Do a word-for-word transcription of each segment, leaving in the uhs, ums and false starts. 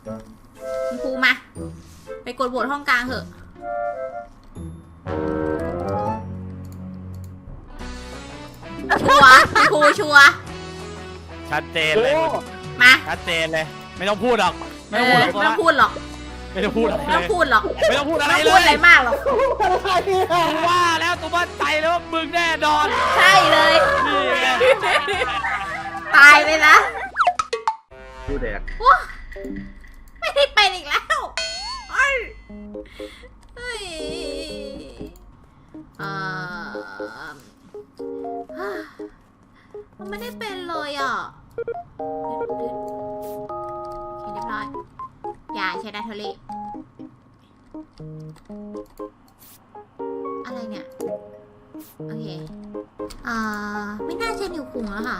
คุณครูมาไปกดโหวตห้องกลางเถอะชัวร์คุณครูชัวร์ชัดเจนเลยมาชัดเจนเลยไม่ต้องพูดหรอกไม่ไม่ต้องพูดหรอกไม่ต้องพูดหรอกไม่ต้องพูดอะไรไม่ต้องพูดหรอกไม่ต้องพูดอะไรไม่ต้องพูดอะไรมากหรอกกูว่าแล้วตัวมั่นใจเลยว่ามึงแน่นอนใช่เลยนี่ไงตายเลยนะผู้แดกไม่ได้เป็นอีกแล้วเฮ้ยเฮ้ยเอ่อมันไม่ได้เป็นเลยอ่ะโอเคเรียบร้อยอย่าใช้ดาเทอรี่อะไรเนี่ยโอเคอ่าไม่น่าใช่นิวคุงแล้วค่ะ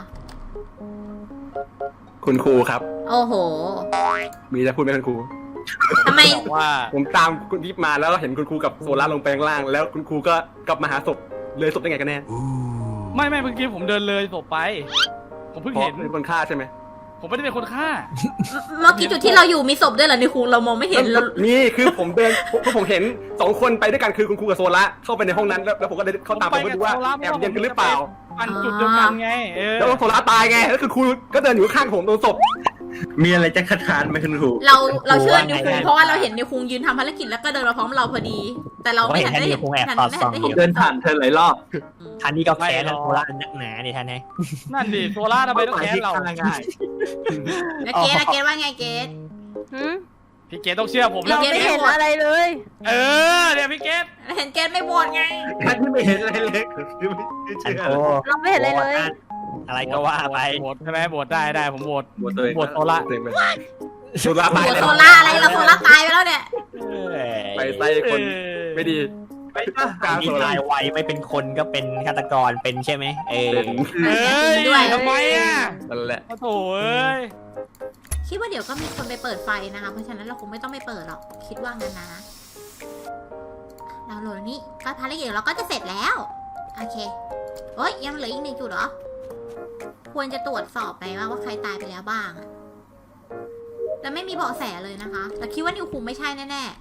คุณครูครับโอ้โหมีจะพูดไหมคุณครูทำไมบอกว่าผมตามคุณทิพย์มาแล้วเห็นคุณครูกับโซล่าลงไปข้างล่าง แล้วคุณครูก็กลับมาหาศพเลยศพได้ไงกันแน่ไม่ไม่เมื่อกี้ผมเดินเลยศพไปผมเพิ่งเพราะเห็นเป็นคนฆ่าใช่ไหมผมไม่ได้เป็นคนฆ่าเมื่อกี้จุดที่เราอยู่มีศพด้วยเหรอนิวคุงเรามองไม่เห็นเรานี่คือผมเดินเพราะผมเห็นสองคนไปด้วยกันคือคุณครูกับโซล่าเข้าไปในห้องนั้นแล้วแล้วผมก็เดินเข้าตามไปดูว่าแอบเย็นกันหรือเปล่าอันจุดเดียวกันไงเออแล้วโซล่าตายไงแล้วคือครูก็เดินอยู่ข้างผมตรงศพมีอะไรจะคัดค้านไหมคุณครูเราเราเชื่อนิวคุงเพราะว่าเราเห็นนิวคุงยืนทำภารกิจแล้วก็เดินมาพร้อมเราพอดี แต่เราไม่ทันได้เห็นทันไม่ทันได้เห็นเดินผ่านเธอหลายรอบท่านนี้ก็แค้นโซล่านักหนาดิท่านไงนั่นดิโซล่าทำไมต้องแค้นเราง่ายแล้วเกดแล้วเกดว่าไงเกดหืมพี่เกดต้องเชื่อผมเราแล้วไม่เห็นอะไรเลยเออเนี่ยพี่เกดเห็นเกดไม่โหวตไงท่านที่ไม่เห็นอะไรเลยคือไม่อันเชื่อโตเราไม่เห็นอะไรเลยอะไรก็ว่าไปโหวตใช่ไหมโหวตได้ได้ผมโหวตหมดตัวเองโหวตโซล่าเสียงไปโซล่าโหตายวตแล้วโซล่าอะไรเราโซล่าตายไปแล้วเนี่ยไปไล่คนไม่ดีไปป่ะกลางมีโซล่าตายไวไม่เป็นคนก็เป็นฆาตกรเป็นใช่ไหมเออเป็นเอ้ยด้วยทำไมอ่ะนั่นแหละโอ้โถเอ้ยคิดว่าเดี๋ยวก็มีคนไปเปิดไฟนะคะเพราะฉะนั้นเราคงไม่ต้องไปเปิดหรอกคิดว่างั้นนะเราโหลดนี้ก็ภารกิจเราก็จะเสร็จแล้วโอเคโอ้ยยังเหลืออีกหนึ่งจุดเหรอควรจะตรวจสอบไปว่าว่าใครตายไปแล้วบ้างอะแต่ไม่มีเบาะแสเลยนะคะแต่คิดว่านิวคุงไม่ใช่แน่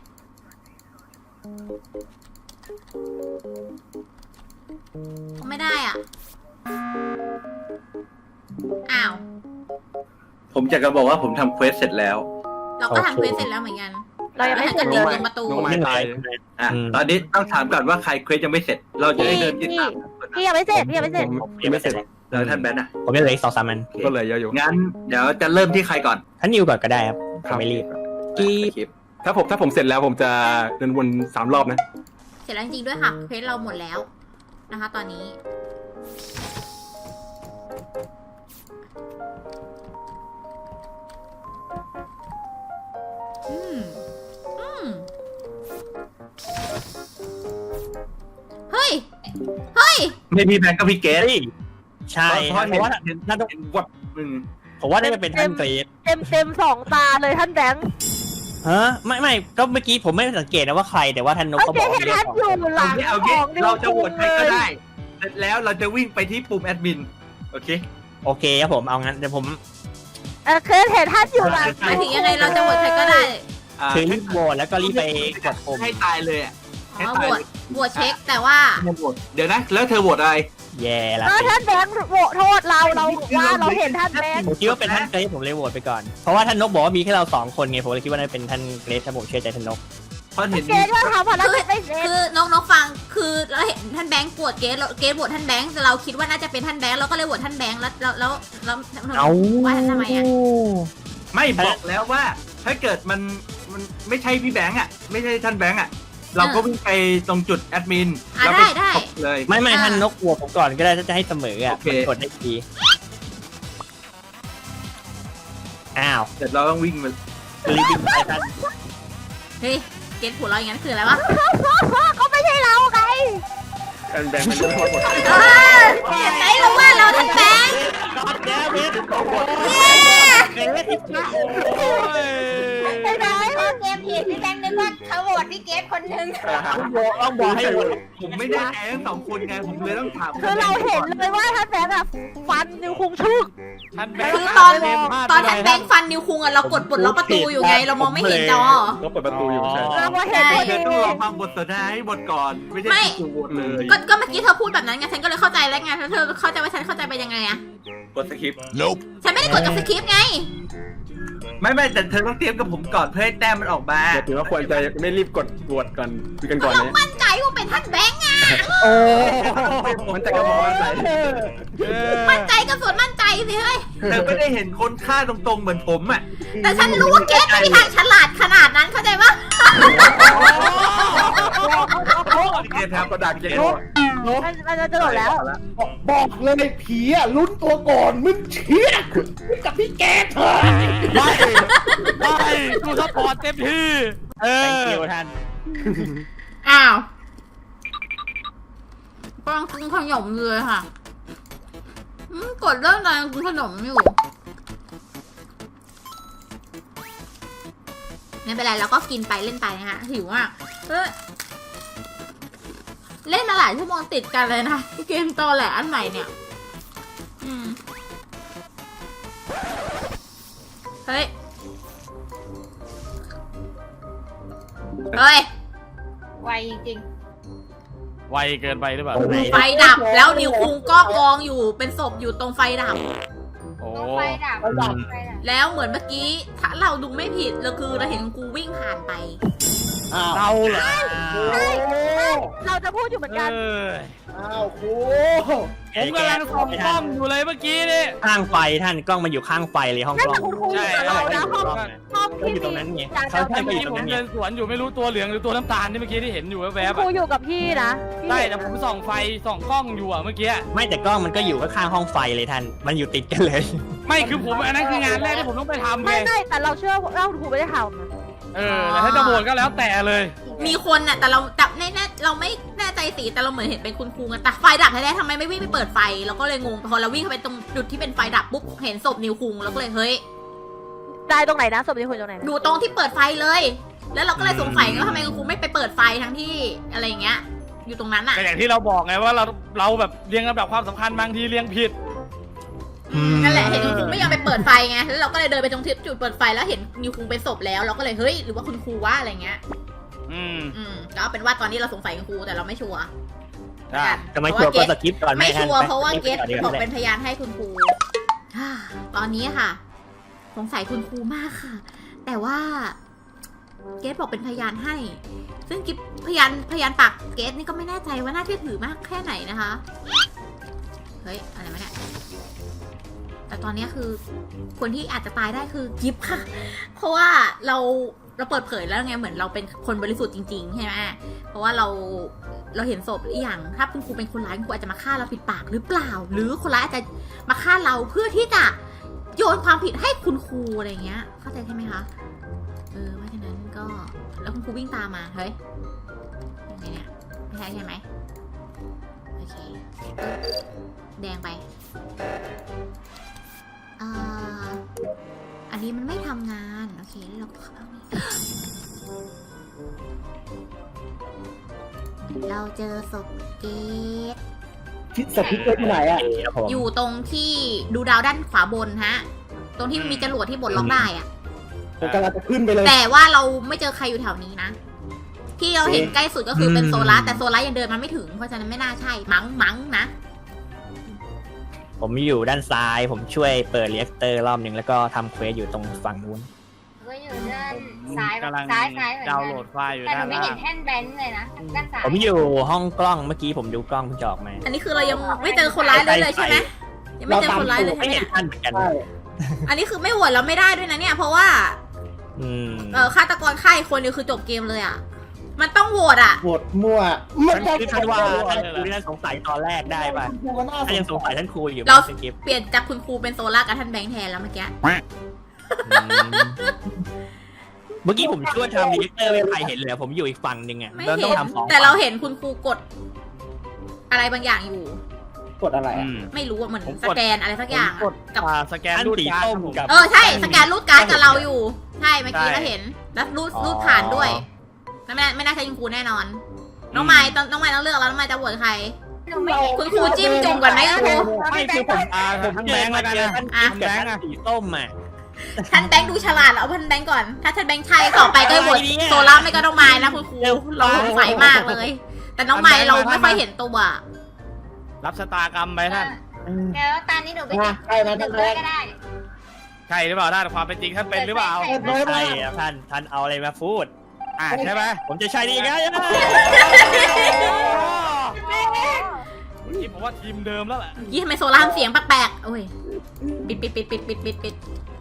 ๆไม่ได้อ่ะอ้าวผมอยากจะบอกว่าผมทำเควสเสร็จแล้วเราก็ทำเควสเสร็จแล้วเหมือนกันเรายังไม่หันเสร็กัจนเลยิงยตรงประตูน้องไม้ตายอ่ะตอนนี้ต้องถามก่อนว่าใครเควสยังไม่เสร็จ เราจะได้เดินติดตามพี่ยังไม่เสร็จพี่ยังไม่เสร็จผมยังไม่เสร็จแล้วท่านแบนอ่ะผมยังเหลืออีกสองสามอันก็เลยเยอะอยู่งั้นเดี๋ยวจะเริ่มที่ใครก่อนท่านนิวก่อนก็ได้ครับผมไม่รีบกีบถ้าผมถ้าผมเสร็จแล้วผมจะเดินวนสามรอบนะเสร็จแล้วจริงๆด้วยค่ะเควสเราหมดแล้วนะคะ ตอนนี้อืมอืมเฮ้ยเฮ้ยไม่พี่แบงก์ก็พี่เกสเฮ้ยใช่เพเพราะราะว่าเห็นท่านต้องเห็นวับมึงผมว่าน่าจะเป็นท่านเกรดเต็มเต็มสองตาเลยท่านแบงค์ฮะไม่ไม่ก็เมื่อกี้ผมไม่ได้สังเกตนะว่าใครแต่ว่าท่านนกโอก็เคบอกว่าเห็นเรียท่าก นของอยู่หลัเอางงี้เอาขงี้องนิวเราจะโหวคุตงใครเลก็ยได้ เสร็จแล้วเราจะวิ่งไปที่ปุ่มแอดมิน โอเคโอเคครับผมเอางั้นเดี๋ยวผมเออเคยเห็นท่านอยู่หลังหมายถึงยังไงเราจะโหวตใครก็ได้อ่าคือรีบโหวตแล้วก็รีบไปกดปุ่มให้ตายเลยอ่ะอ๋อโหวตโหวตเช็คแต่ว่าให้โหวตเดี๋ยวนะ แล้วเธอโหวตอะไรแย่ละเออสิท่านแบงค์โหวตโทษเราเราบอกว่าเราเห็นท่านแบงค์ผมคิดว่าเป็นท่านเกรซผมเลยโหวตไปก่อน เพราะว่าท่านนกบอกว่ามีแค่เราสองคนไงผมเลยคิดว่าน่าจะเป็นท่านเกรซถ้าผมเชื่อใจท่านนกเพราะเห็นเกณฑ์ว่าทำภารกิจไม่เสร็จคือนกนกฟังคือเราเห็นท่านแบงค์ปวดเกสเกสปวดท่านแบงค์แต่เราคิดว่าน่าจะเป็นท่านแบงค์เราก็เลยโหวตท่านแบงค์แล้วแล้วแล้วแล้วเอาว่าทำไมอ่ะไม่บอกแล้วว่า ถ้าเกิดมันมันไม่ใช่พี่แบงค์อ่ะ ไม่ใช่ท่านแบงค์อ่ะ เราก็วิ่งไปตรงจุดแอดมินอ่ะแล้วได้ไปได้ตบเลยไม่ไม่อ่าท่านนกโหวตผมก่อนก็ได้ถ้าจะให้เสมออ่ะโอเคมันกดได้ทีอ้าวเสร็จเราต้องวิ่งมารีบวิ่งไปท่านเฮ้ยเกสปวดเราอย่างนั้นคืออะไรวะเขาไม่ใช่เราไงแอนแบงค์มันรู้หมดเออเห็นไหมเราว่าเราท่านแบงค์กอดแก้วเวทเย้ไอ้ไหนพอเกมผิดพี่แบงค์นึกว่าเขาโหวตพี่เกดคนนึงต้องบอกให้หมดผมไม่แน่ใจทั้งสองคนไงผมเลยต้องถามคือเราเห็นเลยว่าท่านแบงค์อะฟันนิวคุงชึกท่านแบงคือค์ตอนเล่พลาดตอนไปท่านแบงค์ฟันนิวคุงอะเรากดปลดล็อกประตูอยู่ไง เรามองไม่เห็นจอก็เปิดประตูอยู่ใช่เราก็เห็นพอเดี๋ดียวต้องรอฟังบทสนทนาให้หมดก่อน ไม่ใช่ไม่จู่ๆโหวตเลยก็ก็เมื่อกี้เธอพูดแบบนั้นไงฉันก็เลยเข้าใจแล้วไงแล้วเธอเข้าใจว่าฉันเข้าใจไปยังไงอะกดสคริปต์ฉันไม่ได้กดกับสคริปต์ไงไม่ไม่แต่เธอต้องเตรียมกับผมก่อนเพื่อให้แต้มมันออกมาเดี๋ยวถือว่าควรจะไม่รีบกดโหวตก่อนคุยกันก่อนเราเนี่ยมั่นใจว่าเป็นท่านแบงค์อะโอ้มันจะกระบอกมันใส่เออมั่นใจกับส่วนมั่นใจสิเฮ้ยเธอไม่ได้เห็นคนฆ่าตรงๆเหมือนผมอ่ะแต่ฉันรู้ว่าเกตไม่มีทางฉลาดขนาดนั้นเข้าใจปะเกมครับกระดาษเกมมันมันจะจบแล้วบอกเลยผีอ่ะลุ้นตัวก่อนมึงเชี่ยกับพี่แกเถอะไม่ไม่กูซัพพอร์ตเต็มที่เอแตงอคิวท่านอ้าวกำลังกินขนมอยู่เลยค่ะอืมกดเรื่องอะไรกินขนมอยู่ไม่เป็นไรเราก็กินไปเล่นไปนะคะหิวอ่ะเฮ้ยเล่นมาหลายชั่วโมงติดกันเลยนะเกมตอแหลอันใหม่เนี่ยอืมเฮ้ยเฮ้ยไวจริงไวเกินไปหรือเปล่าไฟดับแล้วนิวคุงก็กองอยู่เป็นศพอยู่ตรงไฟดับโอ้ๆไฟดับไฟดับแล้วเหมือนเมื่อกี้ถ้าเราดูไม่ผิดเราคือเราเห็นกูวิ่งผ่านไปอ้าวเราเหรอเราจะพูดอยู่เหมือนเอกันออ้าวครูผมกำลังส่องกล้องอยู่เลยเมื่อกี้นี่ข้างไฟท่านกล้องมันอยู่ข้างไฟเลยห้องนั่นกล้องแต่คุณครูอยู่กับเรานะห้องห้องก็ที่อยู่ตรงนั้นไงจานเขาดาวท่านก็อยู่ที่ตรงผมนั้นไงเดินสวนอยู่ไม่รู้ตัวเหลืองหรือตัวน้ำตาลที่เมื่อกี้ที่เห็นอยู่แวบๆครูอะอยู่กับพี่นะพี่ใช่แต่ผมส่องไฟส่องกล้องอยู่อะเมื่อกี้ไม่แต่กล้องมันก็อยู่ข้างๆห้องไฟเลยท่านมันอยู่ติดกันเลยไม่คือผมอันนั้นคืองานแรกที่ผมต้องไปทำไงไม่ไม่แต่เราเชื่อว่าคุณครูไม่ได้ทเออแล้วถ้าจะโหวตก็แล้วแต่เลยมีคนน่ะแต่เราจับแน่ๆเราไม่แน่ใจสีแต่เราเหมือนเห็นเป็นคุณครูไงแต่ไฟดับแท้ๆทำไมไม่วิ่งไปเปิดไฟเราก็เลยงงพอเราวิ่งเข้าไปตรงจุดที่เป็นไฟดับปุ๊บเห็นศพนิวคุงแล้วก็เลยเฮ้ยำได้ตรงไหนนะศพนี้คุยตรงไหนนะอยู่ตรงที่เปิดไฟเลย แล้วเราก็เลยสงสัยว่าทำไมคุณครูไม่ไปเปิดไฟทั้งที่อะไรอย่างเงี้ย อยู่ตรงนั้นอ่ะแต่อย่างที่เราบอกไงว่าเราเราแบบเรียงลำดับความสำคัญบางทีเรียงผิดนั่นแหละเห็นคุณครูไม่ยอมไปเปิดไฟไงแล้วเราก็เลยเดินไปตรงที่จุดเปิดไฟแล้วเห็นนิวคุงเป็นศพแล้วเราก็เลยเฮ้ยหรือว่าคุณครูว่าอะไรเงี้ยอืมอืมก็เอาเป็นว่าตอนนี้เราสงสัยคุณครูแต่เราไม่ชัวร์อ่ะจะไม่ชัวร์ก็สกิปก่อนไม่ท่านชัวร์เพราะว่าเกตไปบอกไปเป็นพยานให้คุณครู ตอนนี้ค่ะ สงสัยคุณครูมากค่ะ แต่ว่า เกตบอกเป็นพยานให้ ซึ่งกิฟพยานพยานปากเกตนี่ก็ไม่แน่ใจว่าน่าเชื่อถือมากแค่ไหนนะคะ เฮ้ยอะไรมาเนี่ยแต่ตอนนี้คือ คนที่อาจจะตายได้คือกิฟค่ะ เพราะว่าเราเราเปิดเผยแล้วไงเหมือนเราเป็นคนบริสุทธิ์จริงๆใช่ไหมเพราะว่าเราเราเห็นศพอีกอย่าง ถ้าคุณครูเป็นคนร้ายคุณครูอาจจะมาฆ่าเราปิดปากหรือเปล่า หรือคนร้ายอาจจะมาฆ่าเราเพื่อที่จะโยนความผิดให้คุณครูอะไรเงี้ย เข้าใจใช่ไหมคะเออเพราะฉะนั้นก็แล้วคุณครูวิ่งตามมาเฮ้ยยังไงเนี่ยไม่ใช่ใช่ไหมโอเคแดงไปอ่าอันนี้มันไม่ทำงานโอเคแล้วเราก็เข้านี่ เราเจอศพเกตทิศสถิตอยู่ไหนอ่ะครับผมอยู่ตรงที่ดูดาวด้านขวาบนฮะ ตรงที่มันมีจรวดที่บดล็อกได้อะผมกำลังจะขึ้นไปเลยแต่ว่าเราไม่เจอใครอยู่แถวนี้นะ ที่เราเห็นใกล้สุดก็คือเป็นโซล่าแต่โซล่ายังเดินมาไม่ถึง เพราะฉะนั้นไม่น่าใช่ มั้งมั้งนะผมอยู่ด้านซ้าย ผมช่วยเปิดเรียกเตอร์รอบหนึ่งแล้วก็ทำเควสอยู่ตรงฝั่งนู้นก็อยู่ด้านซ้ายกำลังซ้ายซ้ายเหมือนดาวกัน์โหลนดไฟล์อยู่แต่หด้านูนไม่ล่าเห็นงแท่นแบนเลยนะด้านซ้ายผมอยู่ห้องกล้องเมื่อกี้ผมดูกล้องเพิ่งจะออกมาอันนี้คือเรายังไม่เจอคนร้ายเลยเลยใช่ไหมยังไม่เจอคนร้ายเลยใช่ไม่ไหมเห็นเนี่ยท่านเหมือนกันใช่อันนี้คือไม่โหวตเราไม่ได้ด้วยนะเนี่ย เพราะว่าอืมเออฆาตกรฆ่าอีกคนเดียวคือจบเกมเลยอ่ะ มันต้องโหวตอ่ะโหวตมั่วมันจะคือท่านว่าท่านครูที่ท่านสงสัยตอนแรกได้ป่ะครูก็น่าสท่านยังงสงสัสัยยท่านครูอยู่เราสกิปเปลี่ยนจากคุณครูเป็นโซล่ากับท่านแบงค์แทนแล้วเมื่อกี้เมื่อกี้ผมช่วยทำรีเตอร์ไม่มีใครเห็นเลยผมอยู่อีกฝั่งหนึ่งอ่ะไม่เราต้เห็องนทำสองแต่เราเห็นคุณครูกด อะไรบางอย่างอยู่กดอะไรอือ่ะมไม่รู้ว่าเหมือนผมกดสแกนอะไรสักอย่างกดกับอ่าสแกนท่านรูดสีการ์ดส้มครับผมกับเออใช่สแกนรูดการ์ดกับเราอยู่ ใช่เมื่อกี้ใช่เราเห็นแล้วรูดรูดผ่านด้วยไม่น่าไม่น่าใช่คุณครูแน่นอน น้องไม้ต้องน้องไม้ต้องเลือกแล้วน้องไม้จะโหวตใครหนูไม่เห็นคุณครูจิ้มจุ่มก่อนไหมคุณครูไม่คือผมอ่าผมทั้งเจแบองค์มาแล้วกันเจอนะท่านอ่ะกับท่านสีส้มอ่ะท่านแบงค์ดูฉลาดเอาท่านแบงค์ก่อน ถ้าท่านแบงค์ใช่ต่อไปก็โหวตโซล่าไม่ก็น้องไม้นะคุณครูเราสงสัยมากเลย แต่น้องไม้เราไม่ค่อยเห็นตัวรับชะตากรรมไปท่านแล้วตอนนี้หนูไปติดใช่ไหมท่านแบงค์ก็ได้ใช่หรือเปล่าท่านความเป็นจริงท่านเป็นหรือเปล่าใช่ครับท่านท่านเอาอะไรมาพูดอ่าใช่ไหมผมจะใช่ดีไงทีมผมว่าทีมเดิมแล้วแหละยี่ทำไมโซล่าเสียงแปลกๆโอ้ยปิดปิดปิดปิดปิดปิดปิด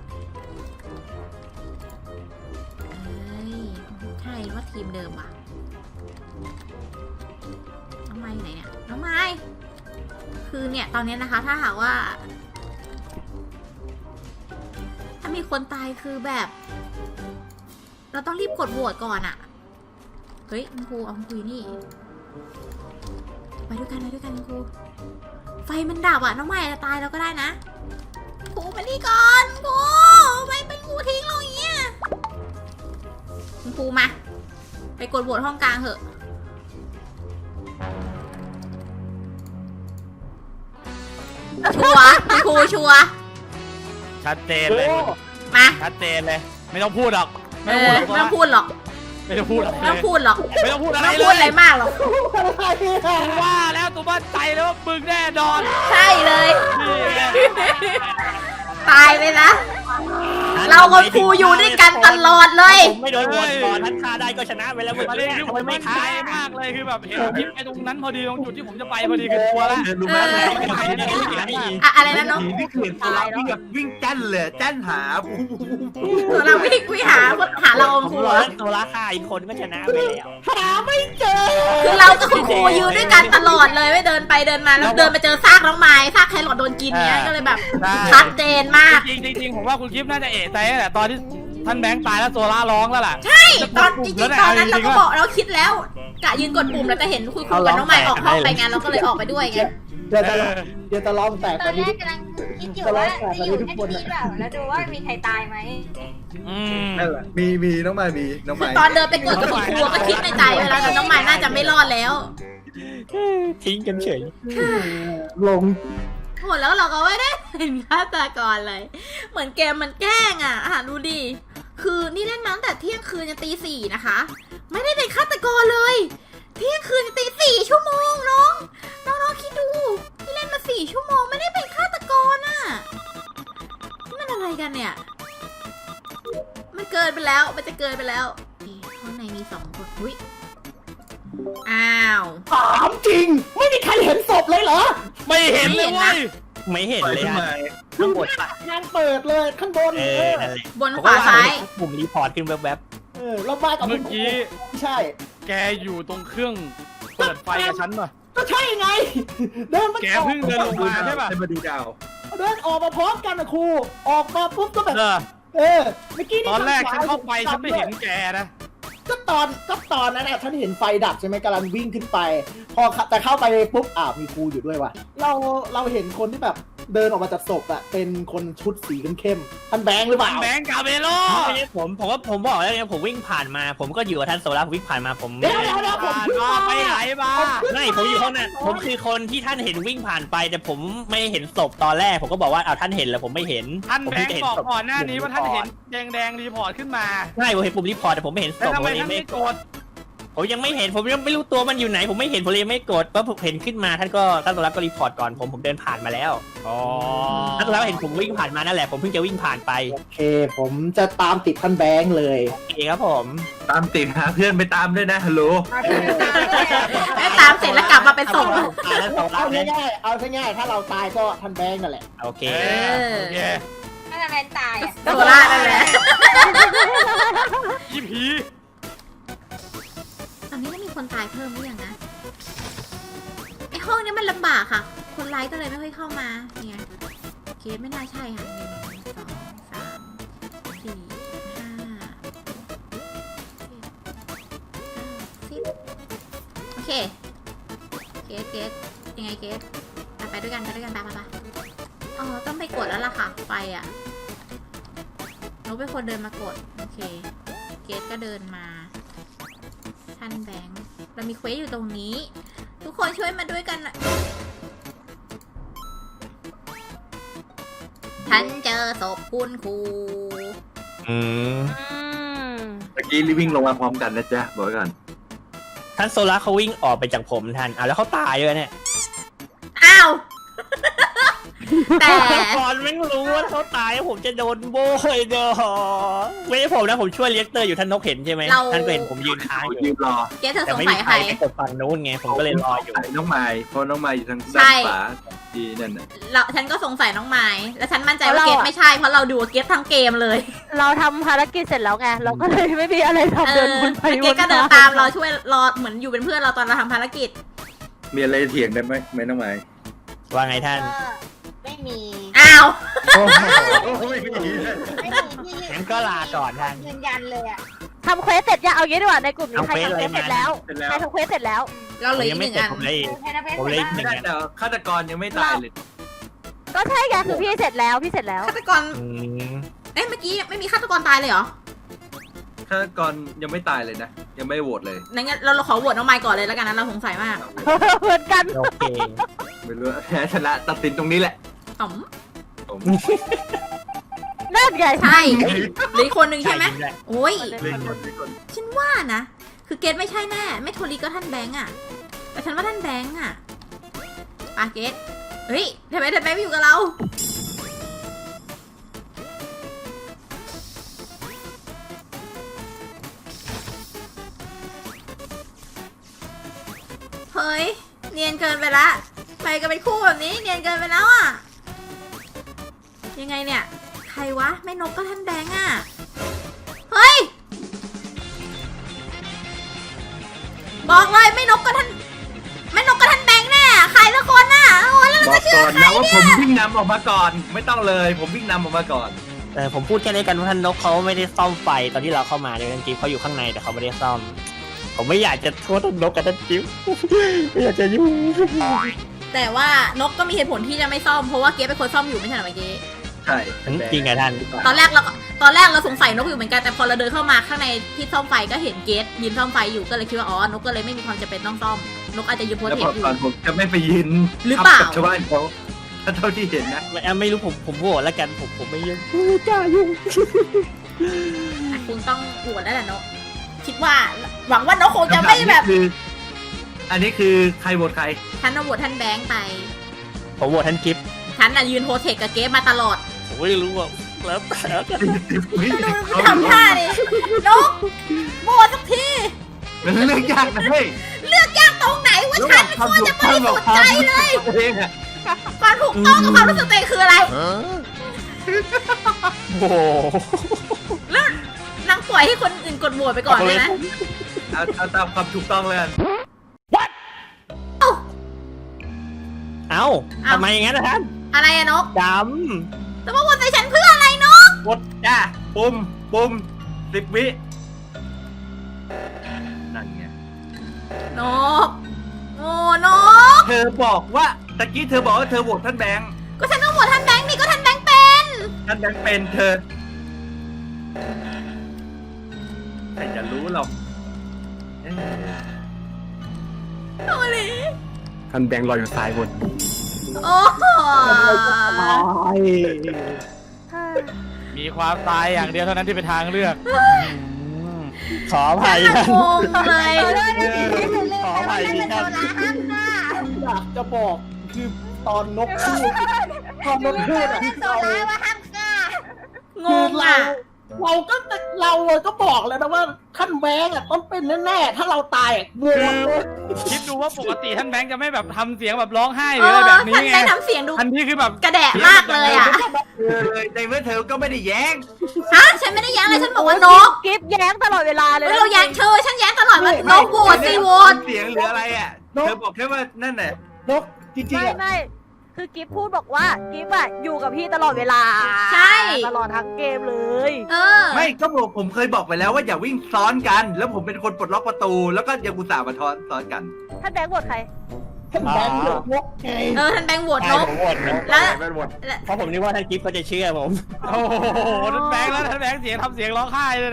เอ้ยใช่ว่าทีมเดิมว่ะน้องไม้อยู่ไหนเนี่ยน้องไม้คือเนี่ยตอนนี้นะคะ ถ้าหากว่า ถ้ามีคนตายคือแบบ เราต้องรีบกดโหวตก่อนอะเฮ้ยคุณครูเอาคุณครูอยู่นี่ไปด้วยกันไปด้วยกันคุณครูไฟมันดับอะน้องใหม่จะตายแล้วก็ได้นะครูมานี่ก่อนครูไม่เป็นครูทิ้งเราอย่างเงี้ยคุณครูมาไปกดโหวตห้องกลางเถอะชัวร์คุณครูชัวร์ชัดเจนเลยมาชัดเจนเลย ไม่ต้องพูดหรอกเอไม่ต้องพูดอหรอกไม่ต้องพูดหรอกไม่ต้องพูดหรอกไม่ต้องพูดหรอกไม่ต้องพูดอะไรไม่ต้องพูดอะไรเลยมากหรอกกูว่าแล้วตัวบ้านใจแล้วว่ามึงแน่นอนใช่เลยนี่ไงตายเลยนะ เรากับครูอยู่ด้วยกันตลอดเลยผมไม่โดนโหวตก่อนท่านฆ่าได้ก็ชนะไปแล้วเมื่อประเด็กี้นคือผทำไมมไม่ไม่ฆ่าคายมากเลยคือแบบเห็นคลิปไอ้ตรงนั้นพอดีตรงจุดที่ผมจะไปพอดีคือตัวละเออรู้ไหมเออไม่ใช่ไม่ใช่ไม่ใช่อะอะไรนะน้องนี่คือเห็นตัวเราวิ่งแบบวิ่งแจ้นเลยแจ้นหาเราวิ่งวิ่งหาหาเราผมครูรอเหรอให้ตัวละฆ่าอีกคนก็ชนะไปแล้วหาไม่เจอคือเรากับคุณครูยืนด้วยกันตลอดเลยไม่เดินไปเดินมาแล้วเดินไปเจอซากน้องไม้ซากแครอทโดนกินเนี้ยก็เลยแบบชัดเจนมากจริงๆจริงๆผมว่าคุณคลิปน่าจะเอะใจตั้งแต่ตอนที่ท่านแบงค์ตายแล้วโซล่าร้องแล้วล่ะใช่ตอนจริงๆตอนนั้นเราก็บอกเราคิดแล้วกะยืนกดปุ่มแล้วจะเห็นคุณครูกับน้องไม้ออกห้องไปงานเราก็เลยออกไปด้วยไงเดี๋ยวจะเดี๋ยวจะลองแตกตกัอน นนี้แรกกำลังคิดอยู่ว่าจะอยู่แค่ที่แบบแล้วดูว่ามีใครตายไหมอืมนั่นแหละมีมีน้องไม้มีน้องคือไม้ตอนเดินไปกดกับคุณครูก็คิดในใจเวแลาแต่น้องไม้น่าจะไม่รอดแล้วทิ้งกันเฉยลงโหแล้วเราก็ไม่ได้เป็นฆาตกรเลย เหมือนเกมมันแกล้งอ่ะอ่ะดูดิ คือนี่เล่นมาตั้งแต่เที่ยงคืนจนตีสี่นะคะ ไม่ได้เป็นฆาตกรเลย เที่ยงคืนจนตีสี่ชั่วโมงน้อง น้องๆคิดดูนี่เล่นมาสี่ชั่วโมงไม่ได้เป็นฆาตกรอ่ะนี่มันอะไรกันเนี่ย มันเกินไปแล้ว มันจะเกินไปแล้วนี่ข้างในมีสองคนอุ้ยอ้าวถามจริง ไม่มีใครเห็นศพเลยเหรอไม่เห็นเลยเว้ยไม่เห็นเลยทำไมอะข้างบนปะงานเปิดเลยข้างบนเอเอออนั่นแหละบนขวาซ้ายปุ่มรีพอร์ตขึ้นแวบเออเรามากับเมื่อกี้ไม่ใช่แกอยู่ตรงเครื่องเปิดไฟกับฉันป่ะก็ใช่ไง เดินมาแกเพิ่งเดินลงมาใช่ป่ะให้มาดูดาวเดินออกมาพร้อมกันนะครู ออกมาปุ๊บก็แบบเออเออเมื่อกี้ตอนแรกฉันเข้าไปฉันไม่เห็นแกนะก็ตอนก็ตอนนั้นน่ะฉันเห็นไฟดับใช่ไหมกำลังวิ่งขึ้นไป พอแต่เข้าไปปุ๊บอ้าวมีครูอยู่ด้วยว่ะเราเราเห็นคนที่แบบเดินออกมาจากศพอะเป็นคนชุดสีเข้มๆท่านแบงค์หรือเปล่าแบงค์กาเบโลๆไม่ใช่ผมผมว่าผมบอกแล้วไงผมวิ่งผ่านมา ผมก็อยู่กับท่านโซล่าผมวิ่งผ่านมาผมเดี๋ยวเดี๋ยวเดี๋ยวผมผ่านเพิ่งมามาไปไหนมาไม่ผมอยู่ห้องนั้นผมคือคนที่ท่านเห็นวิ่งผ่านไป แต่ผมไม่เห็นศพตอนแรก ผมก็บอกว่าเอาท่านเห็นแล้วผมไม่เห็นท่านผมแบงเพิ่ค์จะบอกศพก่อนหน้านี้ว่าท่านเห็นแดงแดงๆรีพอร์ตขึ้นมาใช่ผมเห็นปุ่มรีพอร์ตแต่ผมไม่เห็นศแล้วพทำผมไมเลยท่านไม่ไม่กดผมยังไม่เห็นผมยังไม่รู้ตัวมันอยู่ไหน ผมไม่เห็นผมเลยไม่กดเพราะผมเห็นขึ้นมาท่านก็ท่านโซล่าก็รีพอร์ตก่อนผมผมเดินผ่านมาแล้วอ๋อท่านโซล่าเห็นผมวิ่งผ่านมานั่นแหละผมเพิ่งจะวิ่งผ่านไปโอเค ผมจะตามติดท่านแบงค์เลยโอเคครับผมตามติดหาเพื่อนไปตามด้วยนะฮัลโหลแล้วตามเสร็จแล้วกลับมาเป็นศพอ่าแล้วโซล่าเอาเนี่ยง่ายๆเอาง่ายๆถ้าเราตายก็ท่านแบงค์นั่นแหละโอเคเออโอเคถ้าจะแมนตายอ่ะโซล่านั่นแหละยี่ผีตอนนี้ไม่มีคนตายเพิ่มหรือยังนะไอห้องนี้มันลำบากค่ะ คนไลฟ์ก็เลยไม่ค่อยเข้ามาเนี่ยเคสไม่น่าใช่ค่ะหนึ่งสองสามสี่ห้าเจ็ดเก้าสิบโอเคเกสเกสยังไงเกสไปไปด้วยกันไปด้วยกันไปไปไปอ๋อต้องไปกดแล้วล่ะค่ะไฟอ่ะหนูเป็นคนเดินมากดโอเคเกสก็เดินมาท่านแบงค์เรามีเควสอยู่ตรงนี้ ทุกคนช่วยมาด้วยกันหน่อยฉันเจอศพคุณครูอืมอืมเมื่อกี้รีวิ่งลงมาพร้อมกันนะจ๊ะบอกไว้ก่อนท่านโซล่าเขาวิ่งออกไปจากผมท่านอ่ะแล้วเขาตายเลยเนี่ยอ้าว แต่ก่อนไม่รู้ว่าเขาตายผมจะโดนโบยเด้อไม่ใช่ผมนะผมช่วยเลี้ยงเตอร์อยู่ท่านนกเห็นใช่ไหมเราท่านก็เห็นผมยืนค้างอยู่ยืนรอเกสเธอแต่สงไม่สัมียใคใครรไปกดฝั่งนู้นไงผมก็เลยรออยู่น้องไม้เพราะน้องไม้อยู่ทางใช่ด้านขวาดีนั่นน่ะเราฉันก็สงสัยน้องไม้แล้วฉันมั่นใจว่าเกสไม่ใช่เพราะเราดูเกสทั้งเกมเลยเราทำภารกิจเสร็จแล้วไง เราก็เลยไม่มีอะไรเอทำเดินอวนไปแล้วเกวสนก็เดินมาตามเราช่วยรอเหมือนอยู่เป็นเพื่อนเราตอนเราทำภารกิจมีอะไรเถียงกันไหมไหมน้องไม้ว่าไงท่านไม่มีอ้าวโอ้โหไม่มีไม่มีที่งั้นก็ลาก่อนท่านยืนยันเลยอ่ะทำเควสเสร็จยังเอางี้ดีกว่าในกลุ่มนี้ทำใครเควสทำเควสอะไรเสร็จแล้วเสร็จแล้วใครทำเควสเสร็จแล้วเราเหลือยัอีกไม่หนึ่งเสร็จอันผมเลยใครทำเพชรผมเลยเสร็จหนึ่งบ้างอันเดี๋ยวฆาตกรยังไม่ตายเลยก็ใช่ไงคือพี่เสร็จแล้วพี่เสร็จแล้วฆาตกรอืมเอ๊ะเมื่อกี้ไม่มีฆาตกรตายเลยเหรอฆาตกรยังไม่ตายเลยนะ ยังไม่โหวตเลยงั้นเราเราขอโหวตน้องไม้ก่อนเลยแล้วกันนะเราสงสัยมากเหมือนกันโอเคไม่รู้แพ้ชนะตัดสินตรงนี้แหละอ๋อมผมนั่นไงใช่เหลืออีกคนหนึ่งใช่ไหมจริงด้วยโอ้ยเล่นคนเล่นคนฉันว่านะ คือเกตไม่ใช่แน่ ไม่โทรีก็ท่านแบงค์อะแต่ฉันว่าท่านแบงค์อะปาเกตเฮ้ยทำไมท่านแบงค์ไม่อยู่กับเรา เฮ้ย เนียนเกินไปละไปกันเป็นคู่แบบนี้ เนียนเกินไปแล้วอะยังไงเนี่ย ใครวะ ไม่นกก็ท่านแบงค์อะเฮ้ย บอกเลยไม่นกก็ท่านไม่นกก็ท่านแบงค์แน่ใครสักคนน่ะโอ้ยแล้วบเราอกจะเชื่ก่ออนใครนะว่าผเนี่ยมวิ่งนำออกมาก่อน ไม่ต้องเลย ผมวิ่งนำออกมาก่อนแต่ผมพูดแค่นี้กันว่าท่านนกเขาไม่ได้ซ่อมไฟตอนที่เราเข้ามาในจริงๆเขาอยู่ข้างในแต่เขาไม่ได้ซ่อม ผมไม่อยากจะโทษท่านนกกับท่านจิ๊บ ไม่อยากจะยุ่งแต่ว่านกก็มีเหตุผลที่จะไม่ซ่อมเพราะว่าเก๊เป็นคนซ่อมอยู่ไม่ใช่เหรอเมื่อกี้ใช่จริงไงท่านตอนแรกเราก็ตอนแรกเราสงสัยนกอยู่เหมือนกันแต่พอเราเดินเข้ามาข้างในที่ซ่อมไฟก็เห็นเกสยืนซ่อมไฟอยู่ก็เลยคิดว่าอ๋อนกก็เลยไม่มีความจำเป็นต้องซ่อมนกอาจจะยืนโพสแล้วเทพปออยู่ก่อนผมจะไม่ไปยืนหรือเปล่าทับกับชาวบ้านเขาถ้าเท่าที่เห็นนะไม่ไม่รู้ผมผมโหวตแล้วกันผมผมไม่ยุ่งไม่กล้ายุ่งอ่ะคุณต้องโหวตแล้วแหละนกคิดว่าหวังว่านกคงจะไม่แบบคำถานี่คือ อันนี้คือใครโหวตใครฉันเอาโหวตท่านแบงค์ไปผมโหวตท่านจิ๊บฉันน่ะยืนโพสเทคกับเก๊มาตลอดผมไม่รู้ว่าแล้วแต่แล้วกันดูทำท่าดินกโหวตสักทีมันเรื่องยากนะเฮ้ยเลือกยากตรงไหนว่าฉันเป็นคนจะบริสุทธิ์ใจเลยตัวเองอะความถูกต้องกับความรู้สึกตัวเองคืออะไรโอ้โหแล้วนางปล่อยให้คนอื่นกดโหวตไปก่อนเลยนะเอาเอาตามความถูกต้องเลยกันเอ้าทำไมอย่างนั้นนะท่านอะไรอะนกดจะมาโหวตใส่ฉันเพื่ออะไรนกกดจ้าปุ่มปุ่มสิบวินั่นไงนกโอ้นกเธอบอกว่าตะกี้เธอบอกว่าเธอโหวตท่านแบงค์ก็ฉันต้องโหวตท่านแบงค์นี่ก็ท่านแบงค์เป็นท่านแบงค์เป็นเธอใครจะรู้หรอกเอ๊ะโอ้ยท่านแบงค์ลอยอยู่ซ้ายบนโอ้โหมีความตายอย่างเดียวเท่านั้นที่เป็นทางเลือกำขออภัยฉันท่านงงเลยขออภัยที่ท่านอยากจะบอกคือตอนนกพูดตอนนกพูดอะเรางงอ่ะเราก็เราก็บอกแล้วนะว่าท่านแบงค์อะต้องเป็นแน่ๆถ้าเราตายอะงงเลยคิดดูว่าปกติท่านแบงค์จะไม่แบบทำเสียงแบบร้องไห้หเอรืออะไรอแบบนี้ท่านไงแบงค์ทำเสียงดูอันนี้คือแบบกระแดะมากเลยอ่ะเออเลยในเมื่อเธอก็ไม่ได้แย้งฮะฉันไม่ได้แย้งเลยฉันบอกว่านกกิฟแย้งตลอดเวลาเลยเฮ้ยนะเราแย้งเธอฉันแย้งตลอดว่านกโหวตสิโหวตเสียงหรืออะไรอ่ะ เธอบอกแค่ว่านั่นแหละนกจริงไม่ๆอะไม่คือกิฟพูดบอกว่ากิฟอะอยู่กับพี่ตลอดเวลาใช่ตลอดทั้งเกมเลยเออไม่ก็บอกผมเคยบอกไปแล้วว่าอย่าวิ่งซ้อนกัน แล้วผมเป็นคนปลดล็อกประตู แล้วก็ยังอุตส่าห์มาทอนซ้อนกันท่านแบงค์บทใครท่านแบงค์เลือกนกไงเออท่านแบงค์โหวตใช่นกผมโหวตนกแล้วไม่หมดเพราะผมนึกว่าท่านจิ๊บเขาจะเชื่อผมโอ้โหท่านแบงค์แล้วท่านแบงค์เสียงทำเสียงร้องไห้เลยนะ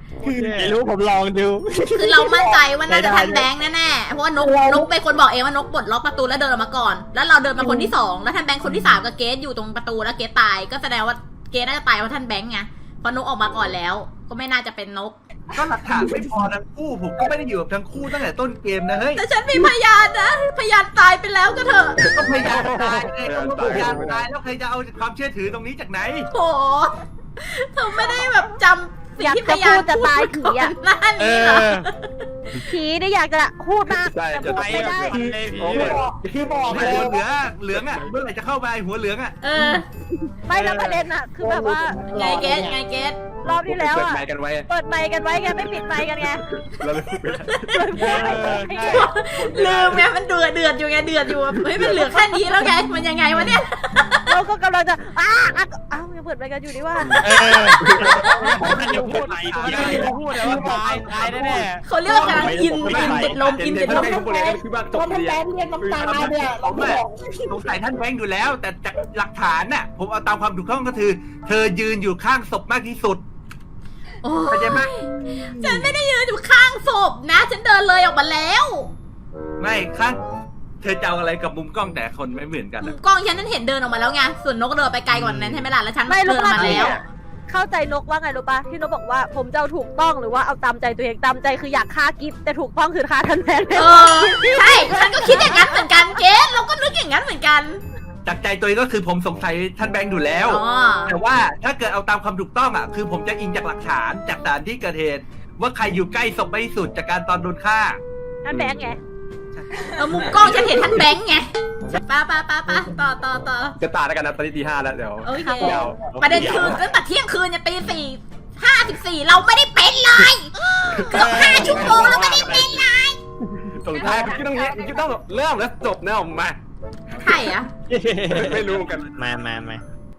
ไม่รู้ผมลองดูคือเรามั่นใจว่าน่าจะไม่ได้ท่านแบงค์แน่ๆเพราะว่านกนกเป็นคนบอกเองว่านกปลดล็อกประตูแล้วเดินออกมาก่อน แล้วเราเดินมาคนที่สองแล้วท่านแบงค์คนที่สามกับเกสอยู่ตรงประตูแล้วเกสตายก็แสดงว่าเกสน่าจะตายเพราะท่านแบงค์ไงเพราะนกออกมาก่อนแล้ว ก็ไม่น่าจะเป็นนกก็หลักฐานไม่พอทั้งคู่ผมก็ไม่ได้อยู่กับทั้งคู่ตั้งแต่ต้นเกมนะเฮ้ยแต่ฉันมีพยานนะพยานตายไปแล้วก็เถอะก็พยายามตายไงก็พยายามตายแล้วใครจะเอาความเชื่อถือตรงนี้จากไหนโหเธอไม่ได้แบบจำสิ่งที่พยานอยากจะพูดจะตายผีอะหน้าเอนี้เหรออผีนี่อยากจะพูดมากใช่แต่จะพูดไปไม่กับได้มันเลยผีโอ้โหคือบอกไอ้แล้หัววเหลืองเหลืองอ่ะเมื่อไหร่จะเข้าไปหัวเหลืองอ่ะเออไม่แล้วประเด็นอะคือแบบว่าไงเกสไงเกสรอบที่แล้วเปิดอะไมค์กันไว้เปิดไมค์กันไว้ไงไม่ปิดไมค์กันไงเราเลยพูดไม่ได้เปิดไมค์กันไว้ไงลืมไงมันเดือดเดือดอยู่ไงเดือดอยู่เฮ้ยมันเหลือแค่นี้แล้วไงมันยังไงวะเนี่ยเราก็กำลังจะอ้าอ้าอ้าวยังเปิดไมค์กันอยู่นี่ว่าเออผมจะพูดผมจะพูดแต่ว่าตายตายแน่เขาเรียกว่ากำลังอินอินติดลมอินติดลมทุกคนเลยก็คือว่าจบท่านเรียแบนงค์เรียกน้ำตาเนี่ยผเรามบอะอกสงสัยท่านแบงค์อยู่แล้ว แต่จากหลักฐานน่ะผมเอาตามความถูกต้องก็คือ เธอยืนอยู่ข้างศพมากที่สุดโอ้เข้าใจไหมฉันไม่ได้ยืนอยู่ข้างศพนะ ฉันเดินเลยออกมาแล้วไม่ข้างเธอจะเอาอะไรกับมุมกล้องแต่คนไม่เหมือนกันมุอะมกล้องฉันนั้นเห็นเดินออกมาแล้วไงส่วนนกเดินไปไกลกว่านั้นใช่ไหมล่ะแล้วฉันไม่เดิรู้นออกว่ามาแล้วเข้าใจนกว่าไงรู้ปะที่นกบอกว่าผมจะเอาถูกต้องหรือว่าเอาตามใจตัวเองตามใจคืออยากฆ่ากิฟแต่ถูกต้องคือฆ่าท่านแมนเออใช่ฉันก็คิดอย่างนั้นเหมือนกันเกสเราก็นึกอย่างนั้นเหมือนกันจากใจตัวเองก็คือผมสงสัยท่านแบงค์อยู่แล้วอ๋อแต่ว่าถ้าเกิดเอาตามความถูกต้องอ่ะคือผมจะอิงจากหลักฐานจากสถานที่เกิดเหตุว่าใครอยู่ใกล้ศพมากที่สุดจากการตอนโดนฆ่าท่านแบงค์ไงเออมุมกล้องฉันเห็นท่านแบงค์ไงป้าป้าป้าป้าต่อต่อต่อจะตายแล้วกันนะตอนนี้ตีห้าแล้วเดี๋ยวโอเคยาวประเด็นคือตั้งแต่เที่ยงคืนยันตีสี่ห้าสิบสี่เราไม่ได้เป็นเลยเกือบห้าชั่วโมงเราไม่ได้เป็นเลยส่งท้ายคุณคิดต้องเนี้ยคุณคิดต้องเริ่มแล้วจบแน่ออกมาใช่อะไม่รู้เหมือนกันมามามา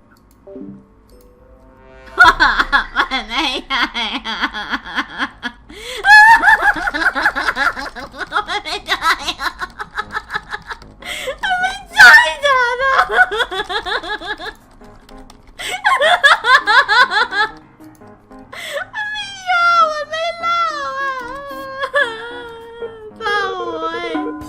มันไม่ใช่อะมันไม่ใช่อะมันไม่ใช่จ้ะนะมันไม่ยอมมันไม่เล่าอะเศร้าเว้ย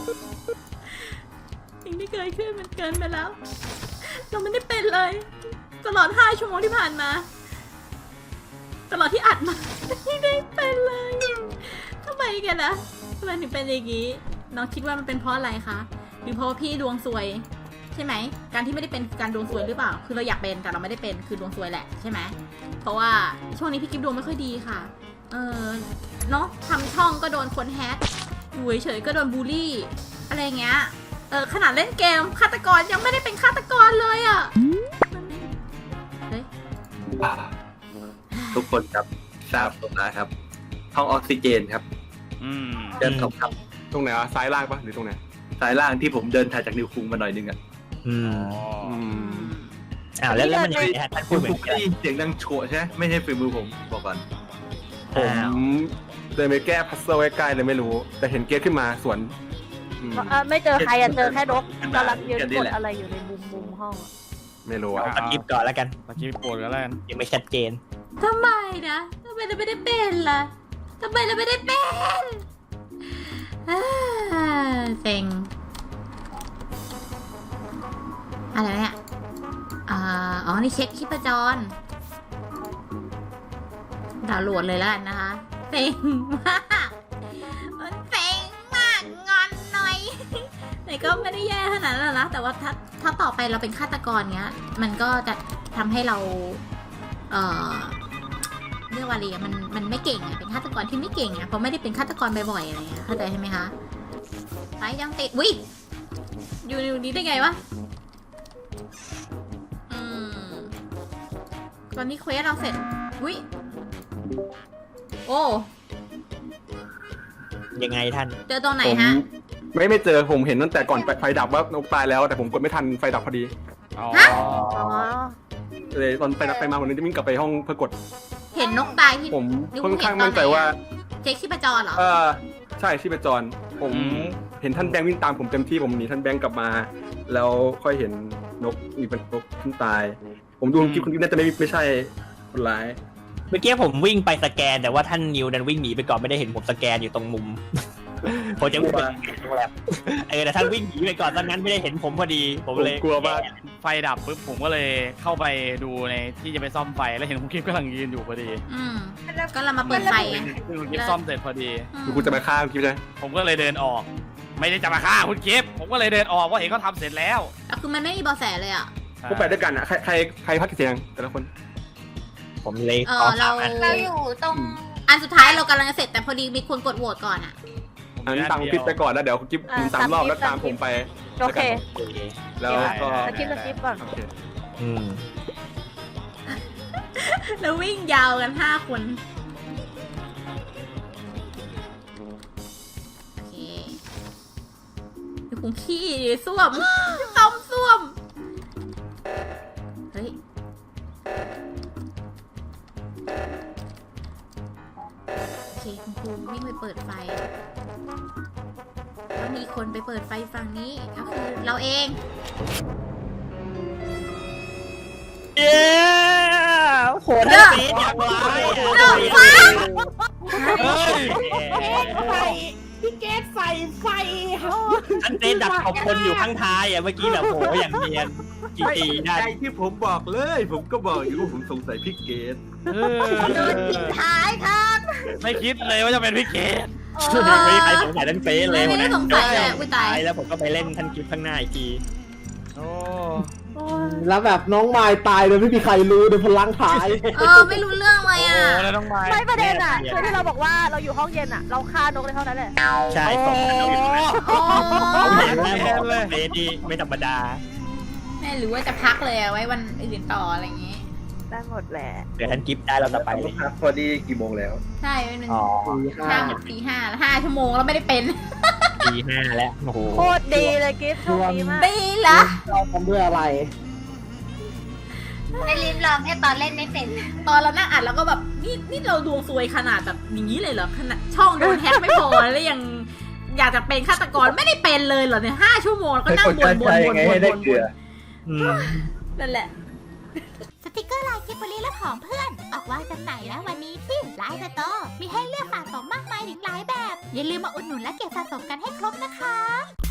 สิ่งที่เกิดขึ้นมันเกินไปแล้ว เราไม่ได้เป็นเลย ตลอดห้าชั่วโมงที่ผ่านมา ตลอดที่อัดมา ไม่ได้เป็นเลยทำไมกันนะทำไมถึงเป็นอย่างนี้ น้องคิดว่ามันเป็นเพราะอะไรคะ หรือเพราะว่าพี่ดวงซวย ใช่ไหม การที่ไม่ได้เป็นคือการดวงซวยหรือเปล่า คือเราอยากเป็นแต่เราไม่ได้เป็นคือดวงซวยแหละใช่ไหม เพราะว่าช่วงนี้พี่กิฟดวงไม่ค่อยดีค่ะ เออเนาะทำช่องก็โดนคนแฮกอยู่เฉยๆก็โดนบูลลี่ อะไรเงี้ย เออขนาดเล่นเกมฆาตกรยังไม่ได้เป็นฆาตกรเลยอ่ะเฮ้ยทุกคนครับทราบตรงนะครับห้องออกซิเจนครับๆอืมเดินเข้าครับตรงไหนวะซ้ายล่างปะหรือตรงไหนสายล่างที่ผมเดินถ่ายจากนิวคุงมาหน่อยนึงอ่ะอืมอืมอ้าวแล้วแล้วมันยังไงฮะท่านพูคุดณเหมือคุนกกันได้ยินเสียงดังโฉะใช่ไหมไม่ใช่ฝีมือผมบอกก่อนผมอ้าวเดินไปแก้พัซเซิลใกล้ๆเลยไม่รู้ แต่เห็นเกตขึ้นมาสวนอืมเอ่อไม่เจอใครอะเจอแค่นกกำลังยืนกดอะไรอยู่ในมุมมุมห้องอะไม่รู้อะสกิปก่อนแล้วกันเมื่อกี้ปวดกันแล้วกันยังไม่ชัดเจนทำไมนะทำไมเราไม่ได้เป็นล่ะทำไมเราไม่ได้เป็นอ่าเซ็งอะไรเนี่ยอ่าอ๋อ นี่เช็คชีพจรดาวน์โหลดเลยแล้วกันนะคะเซ็งมากมันเซ็งมากงอนหน่อย แต่ก็ไม่ได้แย่ขนาดนั้นหรอกนะแต่ว่าถ้าถ้าต่อไปเราเป็นฆาตกรเงี้ย มันก็จะทำให้เรา เอ่อเรียกว่าอะไรอะมันมันไม่เก่งอะเป็นฆาตกรที่ไม่เก่งอะเพราะไม่ได้เป็นฆาตกรบ่อยๆอะไรเงี้ยเข้าใจใช่ไหมคะไปยังติดวิอยู่ในนี้ได้ไงวะอืมตอนนี้เควสเราเสร็จวิโอ้ยังไงท่านเจอตรงไหนผมฮะไม่ไม่เจอผมเห็นตั้งแต่ก่อนไฟดับว่านกตายแล้ว แต่ผมกดไม่ทันไฟดับพอดีอ๋ออ๋อเลยตอนไฟดับไปมาผมเลยจะวิ่งกลับไปห้องเพื่อกดเห็นนกตายที่ผมนี่ค่อนข้างเห็นตอนไหนอะมั่นใจว่าเช็คชีพจรเหรอเออใช่ชีพจร ผมเห็นท่านแบงค์วิ่งตามผมเต็มที่ผมหนีท่านแบงค์กลับมา แล้วค่อยเห็นนกมีเป็นนกขึ้นตาย ผมดูคลิปคุณน่าจะไม่ไม่ใช่คนร้ายเมื่อกี้ผมวิ่งไปสแกนแต่ว่าท่านนิวดันวิ่งหนีไปก่อนไม่ได้เห็นผมสแกนอยู่ตรงมุม ผมจะวิ่งไปโรงแรมเออแต่ท่านวิ่งหนีไปก่อนตอนนั้นไม่ได้เห็นผมพอดีผมเลยกลัวมากไฟดับปุ๊บผมก็เลยเข้าไปดูในที่จะไปซ่อมไฟแล้วเห็นคุณกิฟต์กำลังยืนอยู่พอดีอืมก็เรามาเปิดไฟไงซึ่งคุณกิฟต์ซ่อมเสร็จพอดีอืมคือคุณจะมาฆ่าคุณกิฟต์ใช่ไหมผมก็เลยเดินออก ไม่ได้จะมาฆ่าคุณกิฟต์ผมก็เลยเดินออกว่าเห็นเขาทำเสร็จแล้วแล้วคือมันไม่มีเบาะแสเลยอ่ะพวกไปด้วยกันอ่ะใครใครใครพักกี่เสียงแต่ละคนผมเลยเอขออเราสามอันเราอยู่ตรงอันสุดท้ายเรากำลังจะเสร็จแต่พอดีมีคนกดโหวตก่อนอ่ะอันนี้ตามคุณกิฟต์ไปก่อนแล้วเดี๋ยวคุณกิฟต์คุณสามรอบแล้วตามผมไปโอเคแล้วก็สกิปสกิปก่อนโอเคอืมแล้ววิ่งยาวกันห้าคน โอเคเดี๋ยวผมขี้ส้วม ต้มส้วม เฮ้ย โอเคคุณครูวิ่งไปเปิดไฟ แล้วมีคนไปเปิดไฟฝั่งนี้ก็คือเราเองเย้โหท่านเฟสอย่างไรเลิกฟังเฮ้ยใส่พี่เกดใส่ไฟเฮาท่านเฟสดักขอบคนอยู่ข้างท้ายอ่ะเมื่อกี้แบบโหอย่างเนียนกี่ปีได้ใจที่ผมบอกเลย ผมก็บอกอยู่ว่าผมสงสัยพี่เกดเออโดนทิ้งท้ายค่ะไม่คิดเลยว่าจะเป็นพี่เกดไม่มีใครสงสัยท่านเฟสเลยไม่ได้สงสัยเลยอุ้ยตายแล้วผมก็ไปเล่นท่านกิฟต์ข้างหน้าอีกทีโอ้แล้วแบบน้องไม้ตายโดยไม่มีใครรู้โดยพลังท้ายเออ ไม่รู้เรื่องเลยโหอ่ะแล้วต้องมาไม่ประเด็นอ่ะคือที่เราบอกว่าเราอยู่ห้องเย็นอ่ะ เราฆ่านกเลยเท่านั้นแหละใช่ผมอยู่ตรงนั้นอ๋อผมเห็นแล้วบอกว่าเฟสดีไม่ธรรมดาแม่หรือว่าจะพักเลยอะไว้วันอื่นต่ออะไรอย่างงี้ได้หมดแหละเดี๋ยวท่านกิฟต์ได้เราจะไปเลยพอดีกี่โมงแล้วใช่หนึ่งอ๋อห้าหกสี่ห้าแล้วห้าชั่วโมงแล้วไม่ได้เป็นปีห้าแล้วโอ้โหโคตรดีเลยกิฟต์โชคดีมากดีละเราทำด้วยอะไรในลิฟต์ลองแค่ตอนเล่นไม่เป็นตอนเรานั่งอัดแล้วก็แบบนี่นี่เราดวงซวยขนาดแบบอย่างนี้เลยเหรอขนาดช่องโดนแฮกไม่พอแล้วยังอยากจะเป็นฆาตกรไม่ได้เป็นเลยเหรอเนี่ยห้าชั่วโมงแล้วก็นั่งบนบนบนบนบนบนอืมนั่นแหละสติกเกอร์ลายกิบบลีและของเพื่อน ออกวางจำหน่ายแล้ววันนี้ที่ไลน์สโตร์มีให้เลือกสะสมมากมายถึงหลายแบบ อย่าลืมมาอุดหนุนและเก็บสะสมกันให้ครบนะคะ